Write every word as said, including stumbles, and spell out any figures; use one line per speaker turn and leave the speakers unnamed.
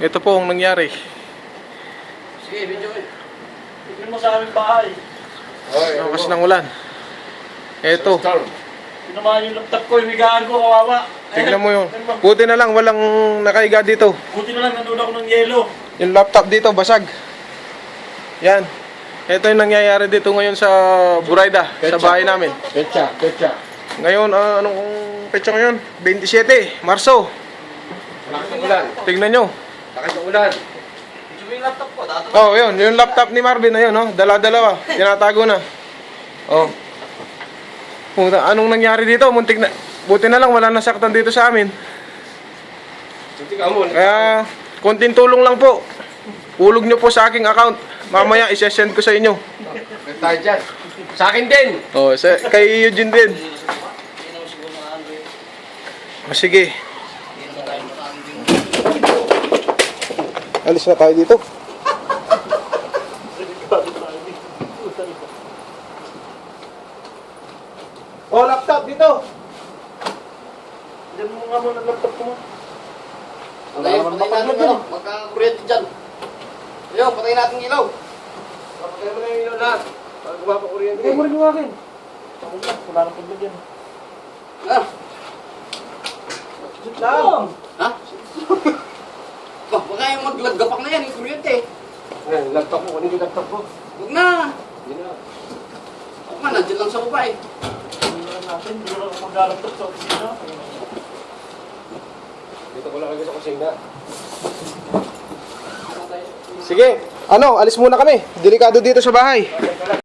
Ito po ang nangyari.
Sige, video eh.
Tignan mo sa aming bahay.
Lakas ng ulan. Ito.
Tinamaan yung laptop ko, imigaan ko, kawawa.
Tignan mo yun. Buti na lang, walang nakaiga dito.
Buti na lang, nanood ako ng yelo.
Yung laptop dito, basag. Yan. Ito yung nangyayari dito ngayon sa Burayda, sa bahay namin.
Pecha, pecha.
Ngayon, ah, anong petsa ngayon? twenty-seven, Marso.
Lakas ng ulan.
Tignan nyo.
Lakas ng ulan.
Video mo yung laptop ko, dato.
Oh, yun. Yung laptop ni Marvin, ayun, oh. Dala-dalawa. Tinatago na. Oh. Puta, anong nangyari dito? Muntik na. Buti na lang, wala nasaktan dito sa amin.
Suntik ka mo.
Kaya, konting tulong lang po. Hulog nyo po sa aking account. Mamaya, isesend ko sa inyo.
May tayo dyan. Sa akin din.
Oh, sa, kay Eugene din. Oh, sige. Alis na tayo dito. Oh, laptop dito.
Diyan mo nga muna ang laptop ko mo.
Patayin, patayin natin ano. Magka-kuryente dyan. Ayun, patayin natin yung ilaw. Patayin mo na yung ilaw lahat. Para gumapa kuryente.
Bigay mo rin yung akin. Ako lang, wala nang paglagyan.
Ah,
Sit lang.
ha? Bah, baka yung maglagapak na yan, yung kuryente. Eh, laptop mo. Kunin yung laptop mo. Huwag na. Hindi na. Ako nga, nandiyan lang sa baba eh.
Hindi na natin, hindi na ako mag-laptop sa opisina.
Dito ko lang kayo sa kusina.
Sige. Ano, alis muna kami. Delikado dito sa bahay.